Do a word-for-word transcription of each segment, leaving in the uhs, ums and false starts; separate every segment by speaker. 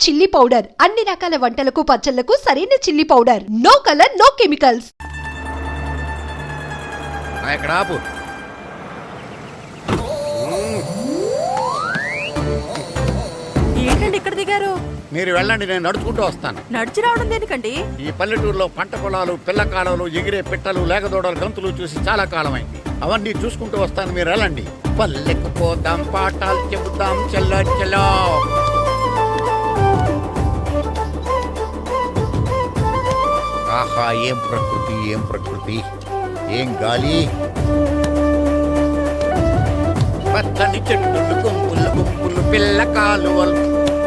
Speaker 1: Chilli powder అన్ని రకాల వంటలకు పచ్చళ్లకు సరైన chilli powder. No colour no chemicals.
Speaker 2: ఇక్కడ ఆపు.
Speaker 3: ఏంటండి ఇక్కడ దిగారు?
Speaker 2: మీరు వెళ్ళండి, నేను నడుచుకుంటూ వస్తాను.
Speaker 3: నడిచి రావడం దేనికండి?
Speaker 2: ఈ పల్లెటూరులో పంట పొలాలు, పిల్ల కాలాలు, ఎగిరే పిట్టలు, లేగదోడలు, గంతులు చూసి చాలా కాలమైంది. అవన్నీ చూసుకుంటూ వస్తాను, మీరు వెళ్ళండి. పల్లెకు పోదాం, పాఠాలు చెబుతాం, చెల్లో చెల్లో. ఆహా, ఏం ప్రకృతి, ఏం ప్రకృతి, ఏం గాలి. పచ్చని చెట్లు, గుంపులు గుంపులు, పిల్ల కాలువలు.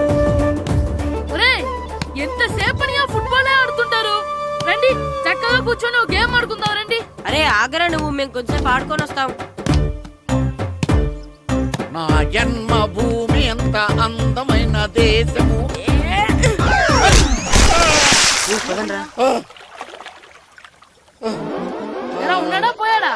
Speaker 4: ఎంతసేపని ఫుట్బాల్ ఆడుతుంటారు? రండి, చక్కగా కూర్చొని ఒక గేమ్ ఆడుకుందాం రండి.
Speaker 3: అరే ఆగరా నువ్వు, మేము కొంచెం ఆడుకొని వస్తాం.
Speaker 2: నా జన్మ భూమి ఎంత అందమైన దేశము.
Speaker 4: ఎలా ఉన్నాడా, పోయాడా?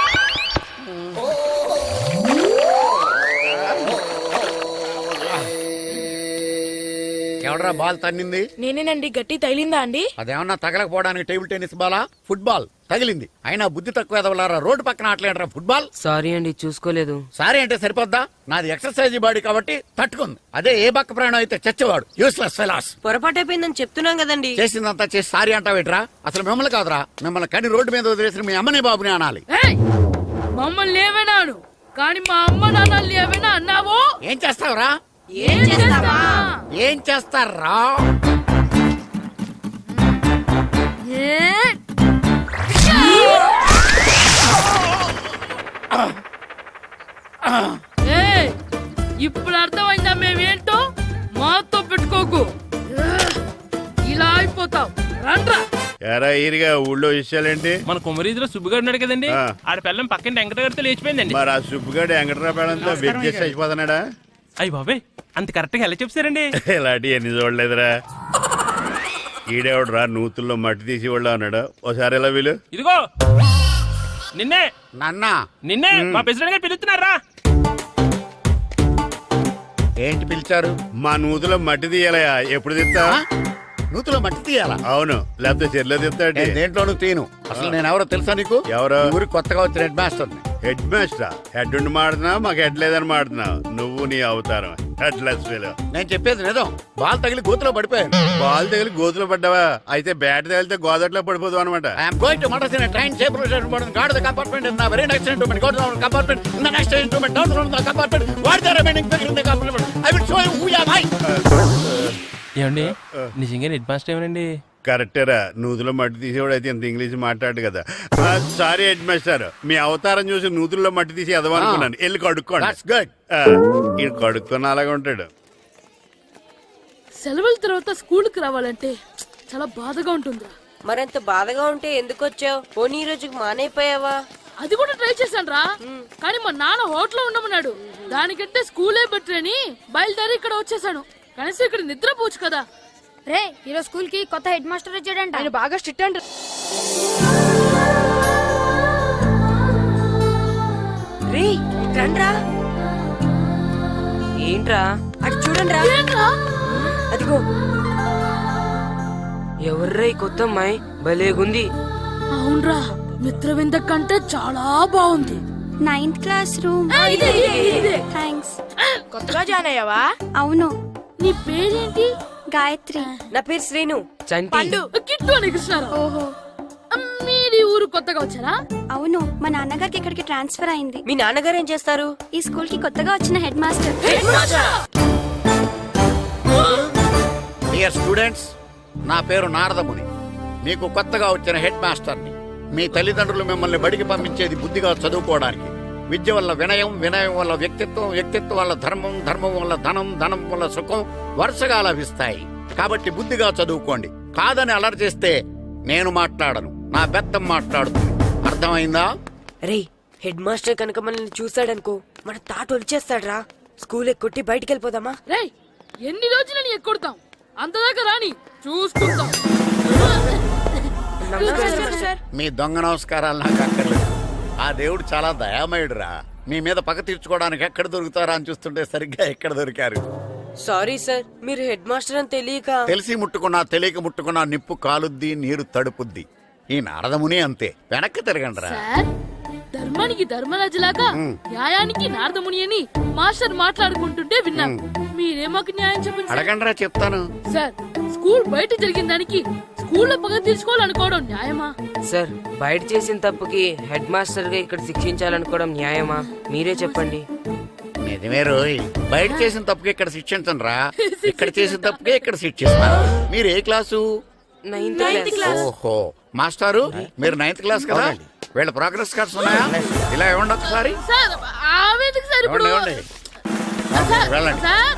Speaker 2: ఎవడరా బాల్ తన్నింది?
Speaker 4: నేనేనండి. గట్టి తగిలిందా అండి?
Speaker 2: అదేమన్నా తగలకపోవడానికి టేబుల్ టెన్నిస్ బాలా, ఫుట్బాల్ తగిలింది. అయినా బుద్ధి తక్కువ ఎదవలారా, రోడ్డు పక్కన ఆటలేడరా ఫుట్బాల్.
Speaker 3: సారీ అండి, చూసుకోలేదు.
Speaker 2: సారీ అంటే సరిపోద్దా? నాది ఎక్సర్సైజ్ బాడీ కాబట్టి తట్టుకుంది. అదే ఏ బక్క ప్రాణం అయితే చచ్చేవాడు. Useless fellas.
Speaker 3: పొరపాటు అయిపోయిందని చెప్తున్నాం కదండి.
Speaker 2: చేసిందంతా చేసి సారీ అంటావేట్రా? అసలు మిమ్మల్ని కాదురా, మిమ్మల్ని కని రోడ్డు మీద వదిలేసిన మీ అమ్మని బాబుని అనాలి.
Speaker 4: మమ్మల్ని ఏమైనాను కానీ మా అమ్మ నాన్నల్ని ఏమైనా అన్నావో
Speaker 2: ఏం చేస్తావురా?
Speaker 4: ఏం చేస్తావా?
Speaker 2: ఏం చేస్తారా?
Speaker 4: ఇప్పుడు అర్థమైందా మేమేంటో? మాతో పెట్టుకోకు, ఇలా అయిపోతావు. రండ్రా.
Speaker 5: ఎరా ఈరిగా ఊళ్ళో విషయాలేంటి?
Speaker 6: మన కుమరీజులో సుబ్బుగాడు ఉన్నాడు కదండి, ఆడ పిల్లం పక్కన వెంకటగారితో లేచిపోయిందండి.
Speaker 5: మరి ఆ సుబ్బుగాడు వెంకటరావు పేడంతో వెబ్ చేసి అయిపోతున్నాడా?
Speaker 6: అయ్యి బాబాయ్, అంత కరెక్ట్ గా ఎలా చెప్తారండి?
Speaker 5: ఇలాంటి ఎన్ని చూడలేదురా. ఈడేవడరా నూతుల్లో మట్టి తీసి వాళ్ళు అన్నాడు. ఓసారి ఎలా వీలు?
Speaker 6: ఇదిగో నిన్నే
Speaker 2: నాన్న,
Speaker 6: నిన్నే మా ప్రెసిడెంట్ గారు పిలుస్తున్నారా?
Speaker 2: ఏంటి పిలిచారు?
Speaker 5: మా నూతులో మట్టి తీయాలయా. ఎప్పుడు తీస్తా?
Speaker 2: నూతులో మట్టి తీయాలా?
Speaker 5: అవును, లేకపోతే చెర్లో తీస్తాడు.
Speaker 2: దేంట్లోనూ తీను. అసలు నేను ఎవరో తెలుసా నీకు?
Speaker 5: ఎవరో?
Speaker 2: ఊరి కొత్తగా వచ్చిన హెడ్ మాస్టర్.
Speaker 5: హెడ్ మాస్టరా? హెడ్ ఉండి మాడుతున్నావు, మాకు హెడ్ లేదని మాడుతున్నావు. నువ్వు నీ అవతారం హెడ్ లెస్ ఫీల్.
Speaker 2: నేను చెప్పేది నిజం. బాల్ తగిలి గోతులో పడిపోయాను.
Speaker 5: బాల్ తగిలి గోతులో పడ్డావా? అయితే బ్యాట్ తగిలితే గోదట్లో పడిపోదు అనమాట.
Speaker 2: ఐఎమ్ గోయింగ్ టు మడస్ in a train safe route guard the compartment in the very next instrument go to the compartment in the next instrument down to the compartment what the remaining figure in the compartment I will show you who you are.
Speaker 6: ఏమండి నిజంగా head master ఏమనండి?
Speaker 5: కరెక్టేరా, నూతులో మట్టి తీసేవాడు అయితే ఇంత English మాట్లాడు కదా. Sorry head master, మీ అవతారం చూసి నూతుల్లో మట్టి తీసి ఎదవనుకున్నాను. వెళ్ళి కడుక్కోండి. ఇది కడుక్కున్న అలాగే ఉంటాడు.
Speaker 4: సెలవుల తర్వాత స్కూల్ కి రావాలంటే చాలా బాధగా ఉంటుంది.
Speaker 3: మరంత బాధగా ఉంటే ఎందుకు వచ్చావు? పోనీ ఈ రోజుకి మానైపోయావా?
Speaker 4: అది కూడా ట్రై చేశాను రా, కానీ మా నాన్న హోటల్లో ఉండమన్నాడు. దానికంటే స్కూలే బెటర్ అని బయలుదేరి ఇక్కడ వచ్చేసాను. కనీసం ఇక్కడ నిద్రపోవచ్చు కదా.
Speaker 7: రే, ఈరోజు స్కూల్ కి కొత్త హెడ్ మాస్టర్ వచ్చాడంట. ఆయన బాగా స్ట్రిక్ట్ అంట.
Speaker 3: రే రండ్రా. ఏంట్రా అటు చూడండి రా. అదిగో ఎవర్రా ఈ కొత్త అమ్మాయి? భలేగుంది.
Speaker 4: అవునరా, మిత్రవింద కంటే చాలా బాగుంది.
Speaker 7: Ninth class room. థ్యాంక్స్.
Speaker 4: కొత్తగా జాయిన్ అయ్యావా?
Speaker 7: అవును.
Speaker 4: నీ పేరేంటి?
Speaker 7: గాయత్రి.
Speaker 3: నా పేరు శ్రీను. చంటి.
Speaker 4: కిట్టు అని కృష్ణారావు.
Speaker 7: ఓహో,
Speaker 4: మీది ఊరు కొత్తగా వచ్చారా?
Speaker 7: అవును, మా నాన్నగారికి ఇక్కడికి ట్రాన్స్ఫర్ అయింది.
Speaker 3: మీ నాన్నగారు ఏం చేస్తారు?
Speaker 7: ఈ స్కూల్ కి కొత్తగా వచ్చిన హెడ్ మాస్టర్.
Speaker 2: డియర్ స్టూడెంట్స్, నా పేరు నారదముని. మీకు కొత్తగా వచ్చిన హెడ్ మాస్టర్ని. మీ తల్లిదండ్రులు మిమ్మల్ని బడికి పంపించేది బుద్ధిగా చదువుకోవడానికి. విద్య వల్ల వినయం, వినయం వల్ల వ్యక్తిత్వం, వ్యక్తిత్వం వల్ల ధర్మం, ధర్మం వల్ల ధనం, ధనం వల్ల సుఖం వరుసగా లభిస్తాయి. కాబట్టి బుద్ధిగా చదువుకోండి. కాదని అలర్ చేస్తే నేను మాట్లాడను, నా బెత్తం మాట్లాడుతుంది. అర్థమైందా?
Speaker 3: రే, హెడ్ మాస్టర్ కనుక మనల్ని చూసాడనుకో మన తాట వచ్చేస్తాడ్రా. స్కూల్ ఎక్కొట్టి బయటికి వెళ్ళిపోదామా?
Speaker 4: రే, ఎన్ని రోజులని ఎక్కొడతాం? అంతదాకా రాని చూసుకుంటాం.
Speaker 2: మీ దొంగ నమస్కారాలు నాకు అక్కర్లేదు. ఆ దేవుడు చాలా దయామయుడురా. మీ మీద పగ తీర్చుకోవడానికి ఎక్కడ దొరుకుతారా అని చూస్తుంటే సరిగ్గా ఎక్కడ దొరికారు.
Speaker 3: సారీ సార్, మీరు హెడ్ మాస్టర్ అని తెలియక.
Speaker 2: తెలిసి ముట్టుకున్నా తెలియక ముట్టుకున్నా నిప్పు కాలుద్ది, నీరు తడుపుద్ది. ఈ నారదముని అంతే. వెనక్కి తిరగండి రా.
Speaker 4: సార్, ధర్మానికి ధర్మరాజులాగా న్యాయానికి నారదముని అని మాస్టర్ మాట్లాడుకుంటుంటే విన్నాం. మీరే మాకు న్యాయం చెప్పండి సార్.
Speaker 2: అడగండి రా, చెప్తాను.
Speaker 4: సార్, స్కూల్ బయట జరిగిన దానికి స్కూల్లో పగ తీర్చుకోవాలనుకోవడం న్యాయమా?
Speaker 3: సార్, బయట చేసిన తప్పుకి హెడ్ మాస్టర్ గా ఇక్కడ శిక్షించాలనుకోవడం న్యాయమా? మీరే చెప్పండి.
Speaker 2: నిజమే రోయ్, బయట చేసిన తప్పుకి ఇక్కడ శిక్షించను రా. ఇక్కడ చేసిన తప్పుకే ఇక్కడ శిక్షిస్తా. మీరు ఏ క్లాసు?
Speaker 3: Ninth class.
Speaker 2: ఓహో, మాస్టారు మీరు నైన్త్ క్లాస్ కదా? వీళ్ళ ప్రోగ్రెస్ కార్డ్స్ ఉన్నాయా? ఇలా ఇవ్వండి ఒకసారి.
Speaker 4: సార్, ఆవేదకు సార్ ఇప్పుడు.
Speaker 2: ఇవ్వండి, ఇవ్వండి.
Speaker 4: సార్,
Speaker 2: వెళ్ళండి.
Speaker 4: సార్,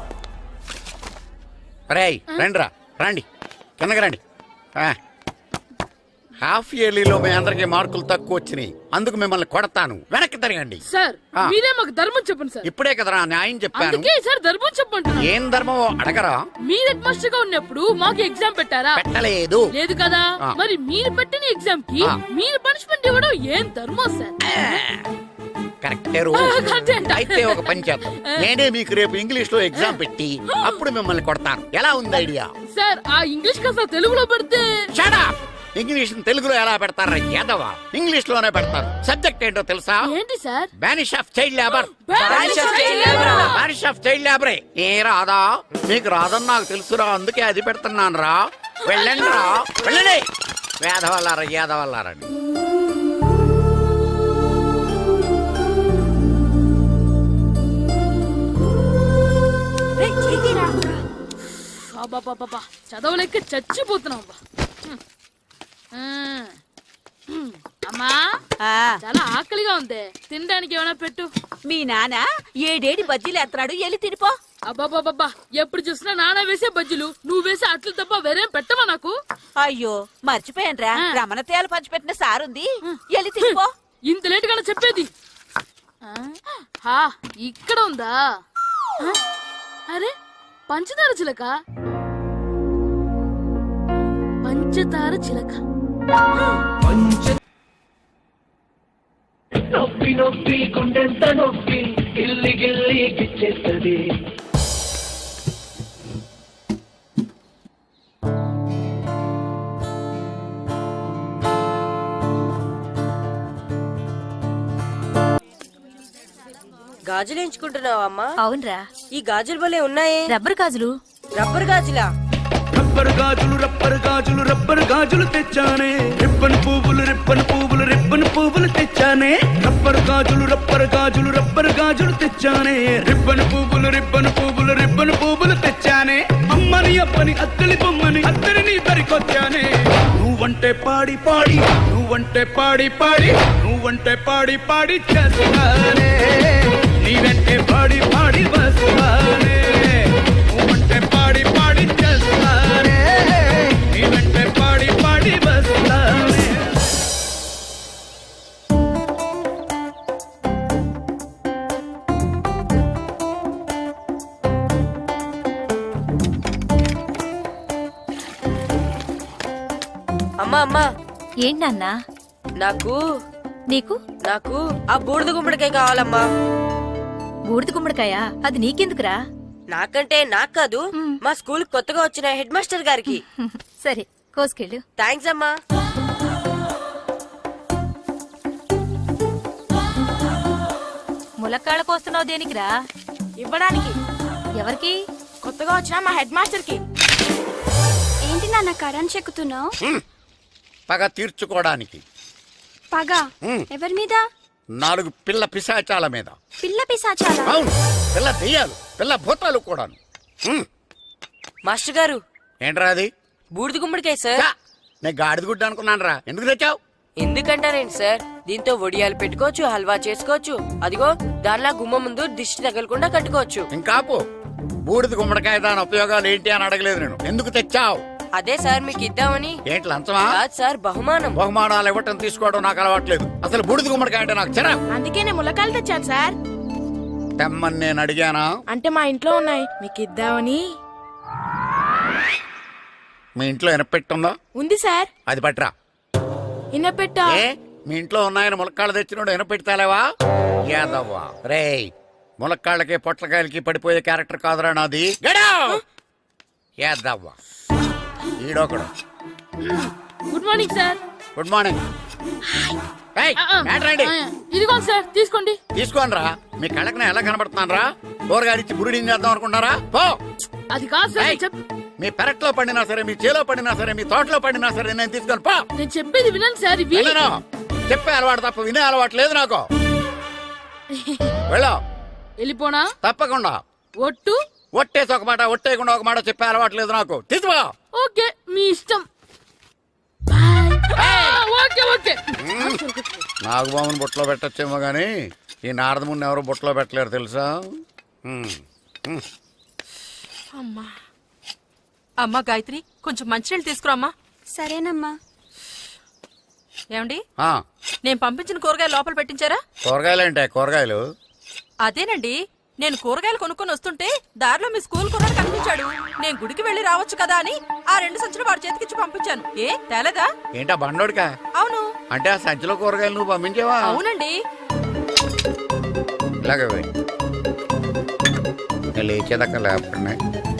Speaker 2: రేయ్ రండి రా, రండి కిందకి రండి. ఆ. హాఫ్ ఇయర్లీలో మీ అందరికి మార్కులు తక్కువ వచ్చినాయి, అందుకు మిమ్మల్ని కొడతాను. వెనక్కి తిరగండి.
Speaker 4: సార్,
Speaker 2: ఆ.
Speaker 4: మీరే మాకు ధర్మం చెప్పండి సార్.
Speaker 2: ఇప్పుడే కదరా న్యాయం చెప్పాను.
Speaker 4: అందుకే సార్ ధర్మం చెప్పంటున్నా.
Speaker 2: ఏం ధర్మమో అడగరా?
Speaker 4: మీరు హెడ్ మాస్టర్ గా ఉన్నప్పుడు మాకు ఎగ్జామ్ పెట్టారా?
Speaker 2: పెట్టలేదు.
Speaker 4: లేదు కదా.
Speaker 2: ఆ.
Speaker 4: మరి మీరు పెట్టిన ఎగ్జామ్ కి
Speaker 2: ఆ.
Speaker 4: మీరు పనిష్మెంట్ ఇవ్వడం ఏం ధర్మం సార్?
Speaker 2: కరెక్టే రో.
Speaker 4: ఆ, కరెక్టే అంట.
Speaker 2: అయితే ఒక పని చేద్దాం. నేనే మీకు రేపు ఇంగ్లీష్ లో ఎగ్జామ్ పెట్టి అప్పుడు మిమ్మల్ని కొడతాను. ఎలా ఉంది ఐడియా?
Speaker 4: సార్, ఆ ఇంగ్లీష్ కాస్త తెలుగులో పెడితే.
Speaker 2: Shut up! ఇంగ్లీష్ తెలుగులో ఎలా పెడతారా యాదవా? ఇంగ్లీష్ లోనే పెడతారు. సబ్జెక్ట్ ఏంటో తెలుసా?
Speaker 4: ఏంటి sir?
Speaker 2: Banish of child labour.
Speaker 4: Banish of child labor.
Speaker 2: Banish of child లేబరే. ఏ రాదా? మీకు రాదని నాకు తెలుసురా, అందుకే అది పెడుతున్నాను రా. వెళ్ళండి రా, వెళ్ళండి. వేదవల్లారా, యాదవల్లారండి.
Speaker 4: అబ్బబ్బబ్బబ్బా, చదవలేక చచ్చిపోతున్నాం. అబ్బా. ఆ. అమ్మా,
Speaker 8: ఆ
Speaker 4: చాలా ఆకలిగా ఉంది, తినడానికి ఏమైనా పెట్టు.
Speaker 8: మీ నాన్న ఏడేడి బజ్జీలు ఎత్తాడు, ఎల్లి తినిపో.
Speaker 4: అబ్బాబాబ్బా, ఎప్పుడు చూసినా నాన్న వేసే బజ్జీలు, నువ్వు వేసే అట్లు తప్ప వేరేం పెట్టవా నాకు?
Speaker 8: అయ్యో మర్చిపోయానురా,
Speaker 4: ఆ.
Speaker 8: రమణ తేలు పంచిపెట్టిన సారుంది, ఎల్లి తినిపో.
Speaker 4: ఇంత లేట్ గానే చెప్పేది. ఆ? హా, ఇక్కడ ఉందా? ఆ? అరే, పంచదార చిలక. పంచదార చిలక.
Speaker 9: నొప్పి నొప్పి గుండెంత నొప్పి గిల్లి గిల్లి గిచ్చేస్తుంది.
Speaker 3: గాజులు ఎంచుకుంటున్నావా అమ్మా?
Speaker 8: అవునరా,
Speaker 3: ఈ గాజులు భలే ఉన్నాయే.
Speaker 8: రబ్బర్ గాజులు.
Speaker 3: రబ్బర్ గాజులా?
Speaker 9: రబ్బరు గాజులు రబ్బరు గాజులు రబ్బరు గాజులు తెచ్చానే. రిబ్బన్ పువ్వులు రిబ్బన్ పువ్వులు రిబ్బన్ పువ్వులు తెచ్చానే. రబ్బరు గాజులు రబ్బరు గాజులు రబ్బరు గాజులు తెచ్చానే. రిబ్బన్ పువ్వులు రిబ్బన్ పువ్వులు రిబ్బన్ పువ్వులు తెచ్చానే. అమ్మని అప్పని అత్తలి బొమ్మని అత్తని నీ దరికొచ్చానే. నువ్వంటే పాడి పాడి నువ్వంటే పాడి పాడి నువ్వంటే పాడి పాడి చేస్తానే. నీ వెంటే పాడి పాడి వస్తానే. నువ్వంటే పాడి పాడి చేస్తానే. నీ వెంటే పాడి పాడి వస్తానే.
Speaker 3: అమ్మా అమ్మా,
Speaker 8: ఏంటన్నా?
Speaker 3: నాకు
Speaker 8: నీకు
Speaker 3: నాకు ఆ బూడిద గుమ్మడికాయ కావాలమ్మా.
Speaker 8: బూడిద గుమ్మడికాయ? అది నీకెందుకురా?
Speaker 3: నాకంటే నాకు కాదు, మా స్కూల్ కొత్తగా వచ్చిన హెడ్ మాస్టర్ గారికి.
Speaker 8: సరే, కోసుకెళ్ళు.
Speaker 3: థ్యాంక్స్ అమ్మా.
Speaker 8: ములక్కాళ్ళ కోస్తున్నావు దేనికిరా?
Speaker 7: ఇవ్వడానికి.
Speaker 8: ఎవరికి?
Speaker 7: కొత్తగా వచ్చిన మా హెడ్ మాస్టర్ కి. ఏంటి నాన్న కరెంట్ చెక్కుతున్నావు?
Speaker 2: పగ తీర్చుకోవడానికి.
Speaker 7: పగ
Speaker 2: ఉమ్.
Speaker 7: ఎవరి మీద?
Speaker 2: నాలుగు పిల్ల పిశాచాల మీద.
Speaker 7: పిల్ల పిశాచాలా?
Speaker 2: అవును, పిల్ల దెయ్యాలు, పిల్ల భూతాలు కూడాను. ఉమ్.
Speaker 3: మాస్టర్ గారు,
Speaker 2: ఏంట్రా అది?
Speaker 3: బూడిద గుమ్మడికాయ సార్.
Speaker 2: ఛా, నేను గాడిద గుడ్డ అనుకున్నాను రా. ఎందుకు తెచ్చావు?
Speaker 3: ఎందుకంటారేంటి సార్, దీంతో వడియాలు పెట్టుకోవచ్చు, హల్వా చేసుకోవచ్చు. అదిగో దానిలా గుమ్మ ముందు దిష్టి తగలకుండా కట్టుకోవచ్చు.
Speaker 2: ఇంకాపు, బూడిద గుమ్మడికాయ దాని ఉపయోగాలు ఏంటి అని అడగలేదు నేను. ఎందుకు తెచ్చావు?
Speaker 3: అదే సార్ మీకు ఇద్దామని.
Speaker 2: ఏంటి లంచమా?
Speaker 3: కాదు సార్, బహుమానం.
Speaker 2: బహుమానాలు ఇవ్వటం తీసుకోవడం నాకు అలవాట్లేదు. అసలు బూడిద గుమ్మడికాయ అంటే నాకు చిరా.
Speaker 7: అందుకే నేను ములకాయలు తెచ్చాను సార్.
Speaker 2: తెమ్మని నేను అడిగానా?
Speaker 7: అంటే మా ఇంట్లో ఉన్నాయి, మీకు ఇద్దామని.
Speaker 2: మీ ఇంట్లో ఎనపెట్టుందా?
Speaker 7: ఉంది సార్.
Speaker 2: అది పట్రా.
Speaker 7: ఇన్నపెట్టా?
Speaker 2: ఏ, మీ ఇంట్లో ఉన్నాయని ములక్కాళ్ళు తెచ్చినోడు ఎనపెట్టాలేవా? యాదవ్వా రేయ్, ములక్కాళ్ళకి పొట్లకాయలకి పడిపోయే క్యారెక్టర్ కాదురా నాది ఏద్దవ్వా ఈడొకడు.
Speaker 4: Good morning sir.
Speaker 2: Good morning. ఏయ్,
Speaker 4: ఆ, ఆ,
Speaker 2: మ్యాటర్ ఏంటి?
Speaker 4: ఆ, ఇదిగోండి సార్ తీసుకోండి.
Speaker 2: తీసుకోనరా, మీ కళ్ళకి నేను ఎలా కనబడుతున్నాను రా? కూరగాయలిచ్చి బురిడి చేద్దాం అనుకుంటారా? పో.
Speaker 4: అది కాదు సార్,
Speaker 2: ఏయ్,
Speaker 4: నేను చెప్-
Speaker 2: మీ పెరట్లో పండినా సరే, మీ చేలో పండినా సరే, మీ తోటలో పండినా సరే నేను తీసుకొని పో.
Speaker 4: నేను చెప్పేది వినండి సార్. ఇవి
Speaker 2: వినను. చెప్పే అలవాటు తప్ప వినే అలవాటు లేదు నాకు. వెళ్ళో.
Speaker 4: వెళ్ళిపోనా?
Speaker 2: తప్పకుండా.
Speaker 4: ఒట్టు.
Speaker 2: ఒట్టేసి ఒక మాట, ఒట్టేయకుండా ఒక మాట చెప్పే అలవాటు లేదు నాకు. తీసుకో.
Speaker 4: ఓకే, మీ ఇష్టం. బాయ్. ఆ, ఓకే ఓకే.
Speaker 2: నాగబాబుని బుట్టలో పెట్టచ్చేమో గాని ఈ నారదముని ఎవరు బుట్టలో పెట్టలేరు తెలుసా? ఉమ్, ఉమ్.
Speaker 8: అమ్మా అమ్మా గాయత్రి, కొంచెం మంచినీళ్ళు తీసుకురామ్మా.
Speaker 7: సరేనమ్మా.
Speaker 8: ఏమండి,
Speaker 2: ఆ,
Speaker 8: నేను పంపించిన కూరగాయలు లోపల పెట్టించారా?
Speaker 2: కూరగాయలు ఏంటే కూరగాయలు?
Speaker 8: అదేనండి, నేను కూరగాయలు కొనుక్కొని వస్తుంటే దారిలో మీ స్కూల్ కుర్రాడు కనిపించాడు. నేను గుడికి వెళ్లి రావచ్చు కదా అని ఆ రెండు సంచులు వాడి చేతికిచ్చి పంపించాను. ఏ తేలేదా?
Speaker 2: ఏంటా బండోడికా?
Speaker 8: అవును.
Speaker 2: అంటే ఆ సంచిలో కూరగాయలు నువ్వు పంపించావా?
Speaker 8: అవునండి.
Speaker 2: ఇలాగే పోయి. ఇంకా లేచేదాకా లేకుండా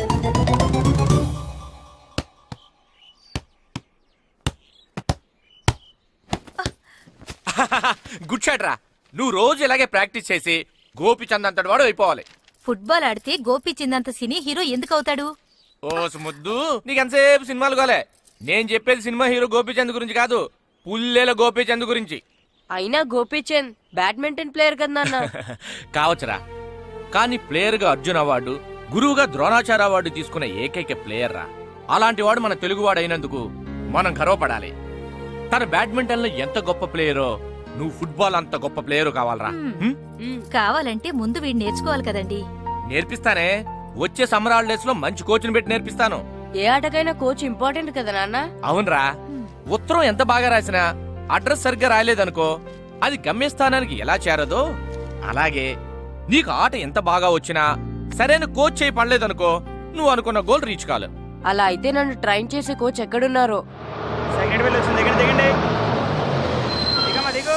Speaker 10: గుడ్ షాట్ రా. నువ్వు రోజు ఇలాగే ప్రాక్టీస్ చేసి గోపిచంద్ అంతటి వాడు అయిపోవాలి.
Speaker 7: ఫుట్బాల్ ఆడితే గోపీచంద్ సినీ హీరో ఎందుకు అవుతాడు?
Speaker 10: ఓ ముద్దు, నీకు ఎంతసేపు సినిమాలు గోలే. నేను చెప్పేది సినిమా హీరో గోపిచంద్ గురించి కాదు, పుల్లేల గోపిచంద్ గురించి.
Speaker 3: అయినా గోపీచంద్ బ్యాడ్మింటన్ ప్లేయర్ కదా నాన్న.
Speaker 10: కావచ్చురా, కానీ ప్లేయర్ గా అర్జున్ అవార్డు, గురువుగా ద్రోణాచార్య అవార్డు తీసుకున్న ఏకైక ప్లేయర్ రా. అలాంటి వాడు మన తెలుగువాడు అయినందుకు మనం గర్వపడాలి. తన బ్యాడ్మింటన్ లో ఎంత గొప్ప ప్లేయరో నువ్వు ఫుట్బాల్ అంత గొప్ప ప్లేయరు కావాలరా. హ్మ్?
Speaker 7: కావాలంటే ముందు వీడు నేర్చుకోవాలి కదండి.
Speaker 10: నేర్పిస్తానే. వచ్చే సమ్మర్ హాలిడేస్ లో మంచి కోచ్ని పెట్టి నేర్పిస్తాను.
Speaker 3: ఏ ఆటకైనా కోచ్ ఇంపార్టెంట్ కదా నాన్న.
Speaker 10: అవునరా, ఉత్తరం ఎంత బాగా రాసినా అడ్రస్ సరిగ్గా రాయలేదనుకో, అది గమ్యస్థానానికి ఎలా చేరదో అలాగే నీకు ఆట ఎంత బాగా వచ్చినా సరైన కోచ్ చేయి పడలేదనుకో, నువ్వు అనుకున్న గోల్ రీచ్ కాదు.
Speaker 3: అలా అయితే నన్ను ట్రైన్ చేసే కోచ్ ఎక్కడున్నారో.
Speaker 6: సెకండ్ బిల్ వచ్చింది, దిగండి దిగండి. దిగమ్మా దిగు.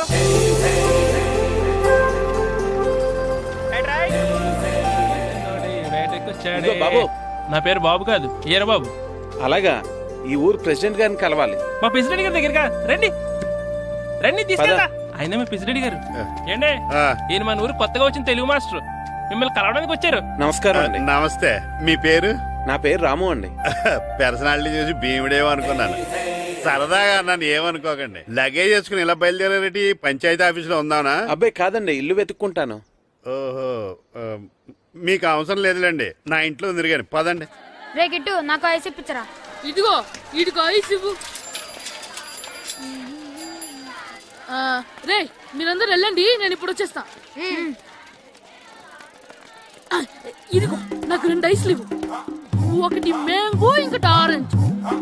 Speaker 11: ఇదిగో బాబు.
Speaker 6: నా పేరు బాబు కాదు, ఈర బాబు.
Speaker 11: అలాగా, ఈ ఊరు ప్రెసిడెంట్ గారిని కలవాలి.
Speaker 6: మా ప్రెసిడెంట్ గారి దగ్గరగా రండి రండి తీసుకెళ్తా. ఆయన మా ప్రెసిడెంట్ గారు. ఏండే,
Speaker 5: ఆ,
Speaker 6: ఈయన మన ఊరు కొత్తగా వచ్చిన తెలుగు మాస్టర్, మిమ్మల్ని కలవడానికి వచ్చారు.
Speaker 11: నమస్కారం అండి.
Speaker 5: నమస్తే. మీ పేరు?
Speaker 11: నా పేరు రాము అండి.
Speaker 5: పర్సనాలిటీ చూసి భీముడేమో అనుకున్నాను. సరదాగా నన్ను ఏమనుకోకండి. లగేజ్ చేసుకుని ఇలా బయలుదేరేటి పంచాయతీ ఆఫీసులో ఉందానా?
Speaker 11: అబ్బాయి కాదండి, ఇల్లు వెతుక్కుంటాను.
Speaker 5: ఓహో, ఆ, మీకు అవసరం లేదులేండి, నా ఇంట్లో తిరిగాను. పదండి.
Speaker 7: రే గిట్టు, నాకు ఐస్ ఇప్పించరా.
Speaker 4: ఇదిగో ఇదిగో ఐస్ ఇవ్వు. ఆ, రే మీరందరూ వెళ్ళండి, నేను ఇప్పుడు వచ్చేస్తా. ఆ, ఇదిగో నాకు రెండు ఐస్లు ఇవ్వు. ఒకటి మ్యాంగో, ఇంకటి ఆరెంజ్.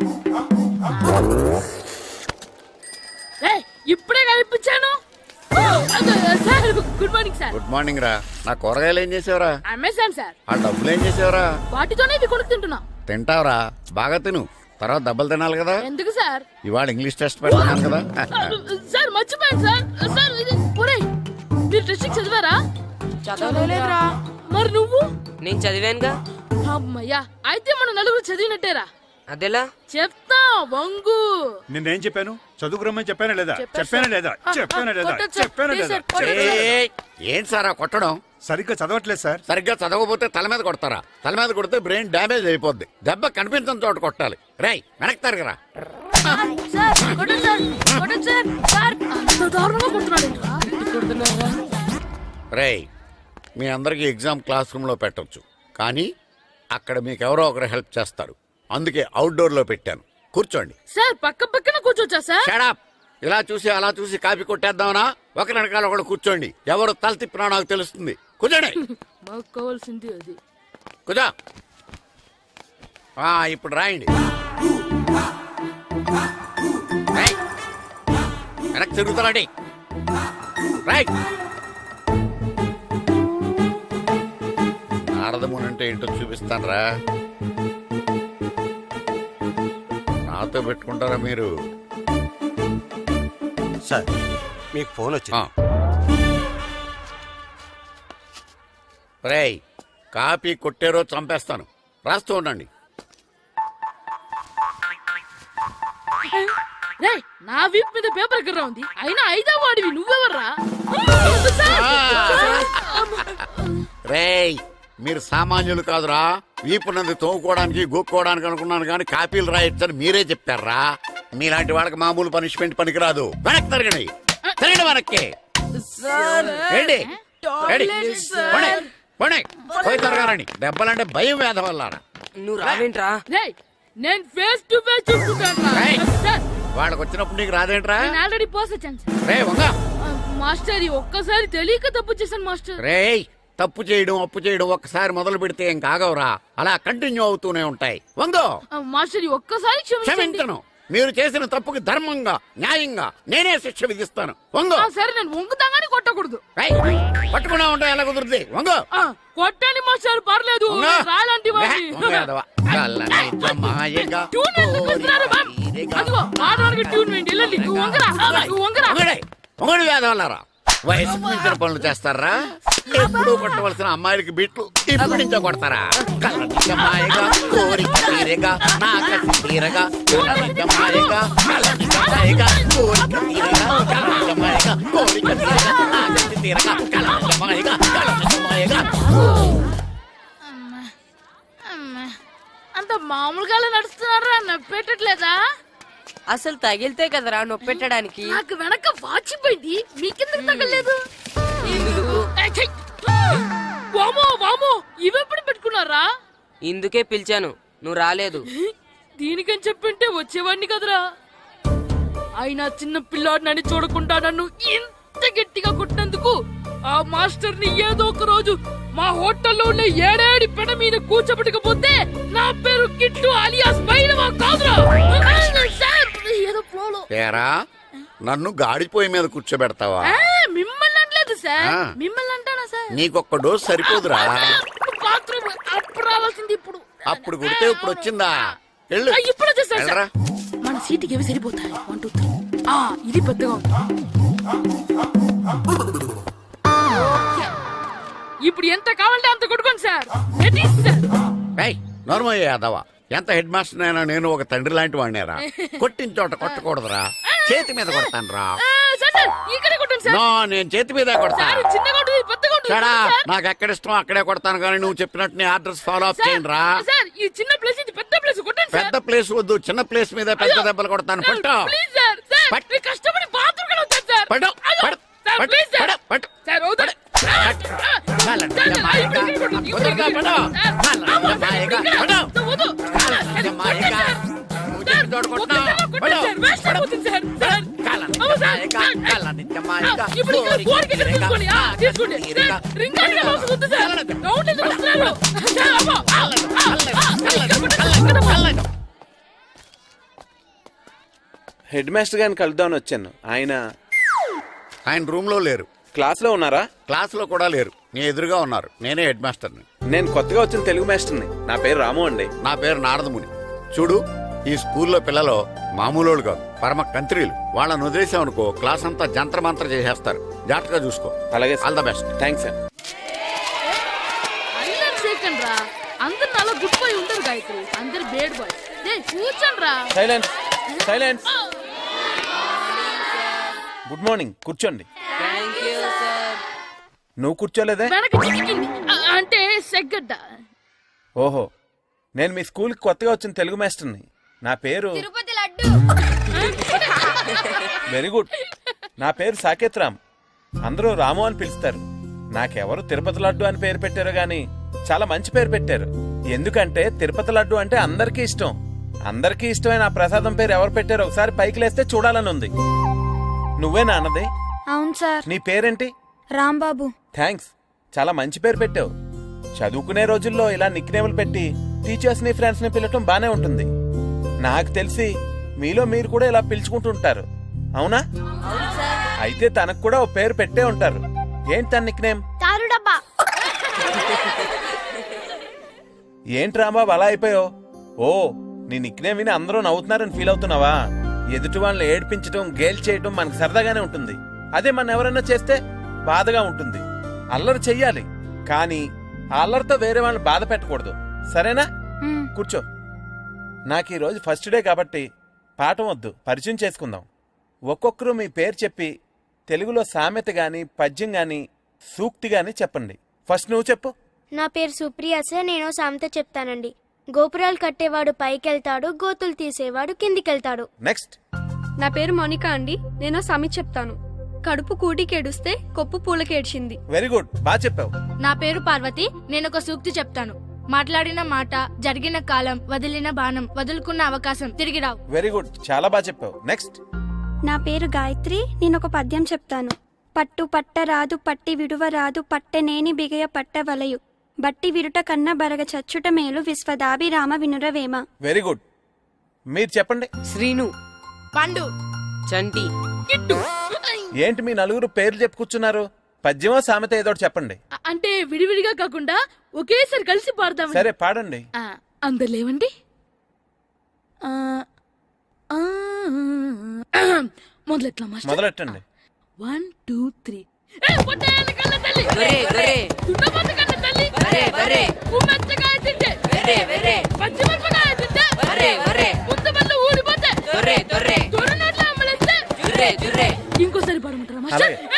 Speaker 4: రే ఇప్పుడే కనిపించాను. Sir good morning sir.
Speaker 2: Good morning రా. నా కూరగాయలు ఏం చేసావురా?
Speaker 4: Amazon sir.
Speaker 2: ఆ డబ్బులు ఏం చేసావురా?
Speaker 4: వాటితోనే ఇవి కొనుక్కు తింటున్నా.
Speaker 2: తింటావురా, బాగా తిను. తర్వాత దెబ్బలు తినాలి కదా.
Speaker 4: ఎందుకు సార్?
Speaker 2: ఇవాళ ఇంగ్లీష్ టెస్ట్ పెడుతున్నాను కదా.
Speaker 4: సార్ మర్చిపోయాను సార్. సార్ ఇది ఒరేయ్, మీరు టెస్టింగ్ చదివారా?
Speaker 3: చదవలేదురా.
Speaker 4: మరి నువ్వు?
Speaker 3: నేను చదివానుగా.
Speaker 4: అమ్మయ్యా, అయితే మనం నలుగురు చదివినట్టేరా.
Speaker 3: అదెలా?
Speaker 4: చెప్తా వంగు.
Speaker 5: నిన్నేం చెప్పాను? చదువుకురమ్మని చెప్పానా లేదా?
Speaker 4: చెప్పాను
Speaker 5: చెప్పానా
Speaker 4: సార్.
Speaker 5: లేదా?
Speaker 4: ఆ,
Speaker 5: చెప్పానా
Speaker 4: ఆ,
Speaker 5: లేదా?
Speaker 4: కొట్టొచ్చు సార్.
Speaker 5: చెప్పానా
Speaker 4: ప్లీజ్
Speaker 5: లేదా?
Speaker 4: సార్, కొట్టొచ్చు సార్.
Speaker 2: ఏయ్, ఏంటి సారా కొట్టడం?
Speaker 5: సరిగ్గా చదవట్లేదు సార్.
Speaker 2: సరిగ్గా చదవకపోతే తల మీద కొడతారా? తల మీద కొడితే బ్రెయిన్ డ్యామేజ్ అయిపోద్ది. దెబ్బ కనిపించని చోట కొట్టాలి. రేయ్ వెనక్కి తరగరా.
Speaker 4: సార్ కొట్టొచ్చు సార్. కొట్టొచ్చు సార్. సార్ అంత దారుణంగా కొడుతున్నాడు ఏంట్రా? కొడుతున్నారా?
Speaker 2: రేయ్, మీ అందరికీ ఎగ్జామ్ క్లాస్ రూమ్ లో పెట్టొచ్చు, కానీ అక్కడ మీకు ఎవరో ఒకరు హెల్ప్ చేస్తారు. అందుకే అవుట్డోర్ లో పెట్టాను. కూర్చోండి.
Speaker 4: సార్ పక్క పక్కన కూర్చోచ్చా సార్?
Speaker 2: Shut up. ఇలా చూసి అలా చూసి కాపీ కొట్టేద్దామనా? ఒకరి వెనకాల ఒకడు కూర్చోండి. ఎవరు తల తిప్పినా నాకు తెలుస్తుంది. కూర్చోండి.
Speaker 4: మాకు కావాల్సింది అది.
Speaker 2: కూర్చో. ఆ, ఇప్పుడు రాయండి. రేయ్, వెనక్కి తిరుగుతారండి. రైట్. నారదముని అంటే ఏంటో చూపిస్తాను రా. నాతో పెట్టుకుంటారా మీరు?
Speaker 12: సార్ మీకు ఫోన్ వచ్చింది.
Speaker 2: రేయ్ కాపీ కొట్టారో చంపేస్తాను. రాస్తూ ఉండండి.
Speaker 4: రే నా వీప్ మీద పేపర్ కర్ర ఉంది, అయినా ఐదా వాడివి నువ్వెవర్రా?
Speaker 2: రేయ్ మీరు సామాన్యులు కాదురా. వీపునంది తోముకోవడానికి గోక్కోవడానికి అనుకున్నాను కానీ కాపీలు రాయొచ్చని మీరే చెప్పారా. మీలాంటి వాళ్ళకి మామూలు పనిష్మెంట్ పనికిరాదు. వెనక్కి తిరగండి, తిరగండి వెనక్కి. ఏంటి? ఏంటి? పోనీ, పోనీ, పోయి తిరగారండి. దెబ్బలంటే భయం వేద వల్ల.
Speaker 3: నువ్వు రావేంట్రా?
Speaker 4: రే నేను ఫేస్ టు ఫేస్ చూసుకుంటాను.
Speaker 2: వాళ్ళకి వచ్చినప్పుడు నీకు రాదేంట్రా?
Speaker 4: నేను ఆల్రెడీ పోస్ వచ్చాను సార్.
Speaker 2: రే వంగ.
Speaker 4: మాస్టర్ ఈ ఒక్కసారి తెలియక తప్పు చేశాను మాస్టర్.
Speaker 2: రేయ్ తప్పు చేయడం అప్పు చేయడం ఒక్కసారి మొదలు పెడితే ఏం కాగవరా, అలా కంటిన్యూ అవుతూనే ఉంటాయి. వందో.
Speaker 4: మాస్టర్ ఈ ఒక్కసారి క్షమించండి.
Speaker 2: క్షమించను. మీరు చేసిన తప్పుకి ధర్మంగా న్యాయంగా నేనే శిక్ష విధిస్తాను. వంగో.
Speaker 4: ఆ, సరే నేను వంగుతాగాని కొట్టకూడదు.
Speaker 2: రేయ్, పట్టుకున్నా ఉంటా ఎలా కుదురుతుంది. వంగో.
Speaker 4: ఆ, కొట్టండి మాస్టర్ పర్లేదు.
Speaker 2: వంగో.
Speaker 4: రాలాంటి వాడిని.
Speaker 2: వంగ యాదవ. కళ్ళని జమాయగా
Speaker 4: ట్యూన్ ఎందుకు వస్తున్నారు మ్యామ్? అదిగో ఆడవారికి ట్యూన్ వేయండి. వెళ్ళండి. నువ్వు వంగరా, నువ్వు వంగరా.
Speaker 2: వంగడే. వంగడు వేదవల్లారా. వయసుకు మించిన పనులు చేస్తారా? ఎప్పుడు కొట్టవలసిన అమ్మాయిలకి బీట్లు ఇప్పుడు నుంచో కొడతారా? కళ్ళని జమాయగా కోరిక తీరగా నా కసి తీరగా కళ్ళని జమాయగా కళ్ళని జమాయగా కోరిక తీరగా కళ్ళని జమాయగా కోరిక తీరగా నా కసి తీరగా కళ్ళని జమాయగా కళ్ళని జమాయగా.
Speaker 4: అంత మామూలుగా నడుస్తున్నారా? నప్పెట్టట్లేదా?
Speaker 3: అసలు తగిలితే కదరా నొప్పి పెట్టడానికి.
Speaker 4: నాకు వెనక వాచిపోయింది, మీకెందుకు తగలేదు? వామో వామో ఇవెప్పుడు పెట్టుకున్నారా?
Speaker 3: ఇందుకే పిలిచాను, నువ్వు రాలేదు.
Speaker 4: దీనికని చెప్పింటే వచ్చేవాడిని కదరా. అయినా చిన్న పిల్లాడినని చూడకుండా నన్ను ఇంత గట్టిగా కొట్టినందుకు ఆ మాస్టర్ ని ఏదో ఒక రోజు మా హోటల్లో ఉన్న ఏడేడి పెడ మీద కూర్చోబెట్టకపోతే నా పేరు కిట్టు అలియాస్ బైరవా కాదురా. ఏదో ఫ్లోలో.
Speaker 2: తేరా నన్ను గాడిపోయి మీద కూర్చోబెడతావా?
Speaker 4: మిమ్మల్ని అనలేదు సార్.
Speaker 2: ఆ.
Speaker 4: మిమ్మల్ని అంటానా సార్?
Speaker 2: నీకొక్క డోస్ సరిపోదురా.
Speaker 4: బాత్రూమ్ అప్పుడు రావాల్సింది ఇప్పుడు.
Speaker 2: అప్పుడు కొడితే ఇప్పుడు వచ్చిందా? వెళ్ళు.
Speaker 4: ఆ, ఇప్పుడు వచ్చేసారు సార్.
Speaker 2: వెళ్ళరా.
Speaker 4: మన సీటుకి ఏవి సరిపోతాయి? One two three. ఆ ఇది పెద్దగా ఉంది. ఇప్పుడు ఎంత కావాలంటే అంత కొట్టుకోండి సార్. Ready sir.
Speaker 2: ఏయ్ నోర్మయ్య యాదవ, ఎంత హెడ్ మాస్టర్ అయినా నేను ఒక తండ్రి లాంటి వాడినేరా. కొట్టిన చోట కొట్టకూడదురా, చేతి మీద కొడతాను రా.
Speaker 4: ఆ, సార్ సార్ ఇక్కడే కొట్టండి సార్.
Speaker 2: నో, నేను చేతి మీదే కొడతా.
Speaker 4: సార్ చిన్నగా ఉంటుంది, పెద్దగా ఉంటుంది
Speaker 2: చడా,
Speaker 4: సార్.
Speaker 2: నాకు ఎక్కడ ఇష్టం అక్కడే కొడతాను కానీ నువ్వు చెప్పినట్టు నీ ఆర్డర్స్ ఫాలో అప్
Speaker 4: సార్,
Speaker 2: చేయండి రా.
Speaker 4: సార్ ఈ చిన్న ప్లేస్ ఇది పెద్ద ప్లేస్ కొట్టండి సార్.
Speaker 2: పెద్ద ప్లేస్ వద్దు, చిన్న ప్లేస్ మీద పెద్ద దెబ్బలు కొడతాను.
Speaker 4: సార్,
Speaker 2: పట్టు
Speaker 4: ప్లీజ్ సార్. సార్
Speaker 2: పట్టు.
Speaker 4: మీరు కష్టపడి బాత్రూమ్ కూడా వచ్చారు సార్.
Speaker 2: పట్టు,
Speaker 4: అయ్యో,
Speaker 2: పట్టు,
Speaker 4: సార్
Speaker 2: పట్టు,
Speaker 4: ప్లీజ్ సార్.
Speaker 2: పట్టు, పట్టు.
Speaker 4: సార్ వద్దు.
Speaker 2: పట్టు. కాళ్ళని జమాయగా, కుదురుగా పట్టు. కాళ్ళని జమాయగా, పట్టు. కాళ్ళని జమాయగా. నువ్వు చెప్పిన చోట కొట్టినా. పట్టు. కాళ్ళని జమాయగా, కాళ్ళని జమాయగా. కోరిక తీరగా, నా కసి తీరగా.
Speaker 11: హెడ్ మాస్టర్ గారిని కలుద్దామని వచ్చాను. ఆయన
Speaker 2: ఆయన రూమ్ లో లేరు.
Speaker 11: క్లాస్ లో ఉన్నారా?
Speaker 2: క్లాస్ లో కూడా లేరు, నీ ఎదురుగా ఉన్నారు. నేనే హెడ్ మాస్టర్ని.
Speaker 11: నేను కొత్తగా వచ్చిన తెలుగు మాస్టర్ని. నా పేరు రాము అండి.
Speaker 2: నా పేరు నారదముని. చూడు, ఈ స్కూల్లో పిల్లలు మామూలు కాదు, పరమ కంత్రీలు. వాళ్ళని వదిలేసామనుకో క్లాస్ అంతా జంత్ర మంత్ర చేసేస్తారు. జాగ్రత్తగా చూసుకో.
Speaker 11: అలాగే
Speaker 2: all the best.
Speaker 11: Thanks sir.
Speaker 4: అందరు సెకండ్ రా. అందరు అలా గుడ్ బాయ్ ఉండరు గాయత్రి, అందరు బేడ్ బాయ్. కూర్చోండి రా.
Speaker 11: Silence, silence. గుడ్ మార్నింగ్, కూర్చోండి. నువ్వు కూర్చోలేదే?
Speaker 4: వెనక చిక్కింది. ఆ, అంటే సెగ్గడ్డ.
Speaker 11: ఓహో, నేను మీ స్కూల్ కి కొత్తగా వచ్చిన తెలుగు మాస్టర్ని. నా పేరు
Speaker 7: తిరుపతి లడ్డు.
Speaker 11: Very good. నా పేరు సాకేత్ రామ్. అందరూ రాము అని పిలుస్తారు. నాకెవరు తిరుపతి లడ్డు అని పేరు పెట్టారు గాని చాలా మంచి పేరు పెట్టారు. ఎందుకంటే తిరుపతి లడ్డు అంటే అందరికీ ఇష్టం. అందరికీ ఇష్టమైన ఆ ప్రసాదం పేరు ఎవరు పెట్టారో ఒకసారి పైకి లేస్తే చూడాలని ఉంది. నువ్వేనా అన్నది?
Speaker 7: అవును సార్.
Speaker 11: నీ పేరేంటి?
Speaker 7: రాంబాబు.
Speaker 11: థ్యాంక్స్, చాలా మంచి పేరు పెట్టావు. చదువుకునే రోజుల్లో ఇలా నిక్నేములు పెట్టి టీచర్స్ ని ఫ్రెండ్స్ ని పిలవటం బానే ఉంటుంది. నాకు తెలిసి మీలో మీరు కూడా ఇలా పిలుచుకుంటుంటారు, అవునా? అయితే తనకు కూడా ఓ పేరు పెట్టే ఉంటారు. ఏంటి తన నిక్నేమ్?
Speaker 7: తారు డబ్బా.
Speaker 11: ఏంటి రాంబాబు అలా అయిపోయావు? ఓ, నీ నిక్నేమ్ విని అందరూ నవ్వుతున్నారని ఫీల్ అవుతున్నావా? ఎదుటి వాళ్ళని ఏడ్పించడం, గేల్ చేయడం మనకు సరదాగానే ఉంటుంది. అదే మన ఎవరైనా చేస్తే బాధగా ఉంటుంది. అల్లరి చెయ్యాలి, కానీ ఆ అల్లరితో వేరే వాళ్ళని బాధ పెట్టకూడదు, సరేనా? కూర్చో. నాకు ఈరోజు ఫస్ట్ డే కాబట్టి పాఠం వద్దు, పరిచయం చేసుకుందాం. ఒక్కొక్కరు మీ పేరు చెప్పి తెలుగులో సామెత గాని పద్యం గాని సూక్తి గాని చెప్పండి. ఫస్ట్ నువ్వు చెప్పు.
Speaker 7: నా పేరు సుప్రియ సార్. నేను సామెత చెప్తానండి. గోపురాలు కట్టేవాడు పైకెళ్తాడు, గోతులు తీసేవాడు కిందికెళ్తాడు.
Speaker 11: నెక్స్ట్.
Speaker 7: నా పేరు మోనికా అండి. నేను సామెత చెప్తాను. కడుపు కూటికేడుస్తే కొప్పు పూలకేడ్చింది.
Speaker 11: వెరీ గుడ్, బాగా చెప్పావు.
Speaker 7: నా పేరు పార్వతి. నేను ఒక సూక్తి చెప్తాను. మాట్లాడిన మాట, జరిగిన కాలం, వదిలిన బాణం, వదులుకున్న అవకాశం తిరిగి రావు.
Speaker 11: వెరీ గుడ్, చాలా బాగా చెప్పావు. నెక్స్ట్.
Speaker 7: నా పేరు గాయత్రి. నేను ఒక పద్యం చెప్తాను. పట్టు పట్ట రాదు, పట్టి విడువ రాదు, పట్టెనేని బిగయ పట్ట వలయు, బట్టి విరుట కన్న బరగ చచ్చుట మేలు, విశ్వదాభిరామ వినురవేమ.
Speaker 11: Very good. మీరు చెప్పండి.
Speaker 3: శ్రీను,
Speaker 8: పండు,
Speaker 3: చంటి,
Speaker 4: కిట్టు.
Speaker 11: ఏంటి మీ నలుగురు పేర్లు చెప్పు కూర్చున్నారు? పద్యమో సామెత ఏదో ఒకటి చెప్పండి.
Speaker 4: అ- అంటే విడివిడిగా కాకుండా ఒకేసారి కలిసి పాడదాం.
Speaker 11: సరే పాడండి.
Speaker 4: అందరు లేవండి. ఆ, ఆ, మొదలెట్లా మాస్టర్?
Speaker 11: మొదలెట్టండి.
Speaker 4: One two three. ఏ, పొట్టేళ్ళ కళ్ళ తల్లి.
Speaker 3: ఒరే, ఒరే.
Speaker 4: దున్నపోతు కళ్ళ తల్లి.
Speaker 3: ఒరే, ఒరే.
Speaker 4: ఉమ్మెత్తకాయ తింటే.
Speaker 3: ఒరే, ఒరే.
Speaker 4: పచ్చిమిరపకాయ తింటే.
Speaker 3: ఒరే, ఒరే.
Speaker 4: ముంతబళ్ళు ఊడిపోతే.
Speaker 3: దొర్రే, దొర్రే.
Speaker 4: దొరనోట్ల అమ్మలేస్తే.
Speaker 3: జుర్రే, జుర్రే.
Speaker 4: ఇంకోసారి పాడమంటారా మాస్టర్?
Speaker 11: అలాగే.